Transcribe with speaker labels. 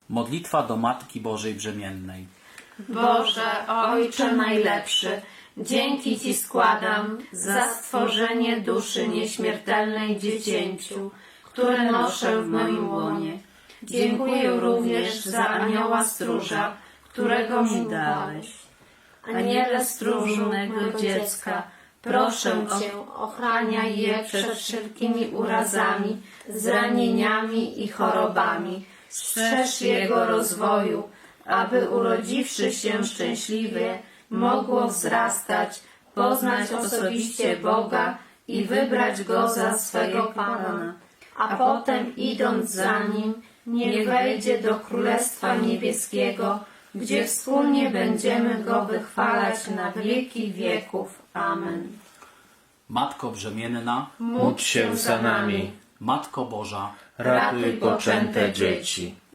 Speaker 1: Modlitwa do Matki Bożej Brzemiennej.
Speaker 2: Boże, Ojcze najlepszy, dzięki Ci składam za stworzenie duszy nieśmiertelnej dziecięciu, które noszę w moim łonie. Dziękuję również za anioła stróża, którego mi dałeś. Aniele stróżu mego dziecka, proszę Cię, ochraniaj je przed wszelkimi urazami, zranieniami i chorobami. Strzeż jego rozwoju, aby urodziwszy się szczęśliwie, mogło wzrastać, poznać osobiście Boga i wybrać Go za swego Pana. A potem, idąc za Nim, niech wejdzie do Królestwa Niebieskiego, gdzie wspólnie będziemy Go wychwalać na wieki wieków. Amen.
Speaker 1: Matko Brzemienna,
Speaker 3: Módl się za nami.
Speaker 1: Matko Boża,
Speaker 3: Ratuj poczęte dzieci.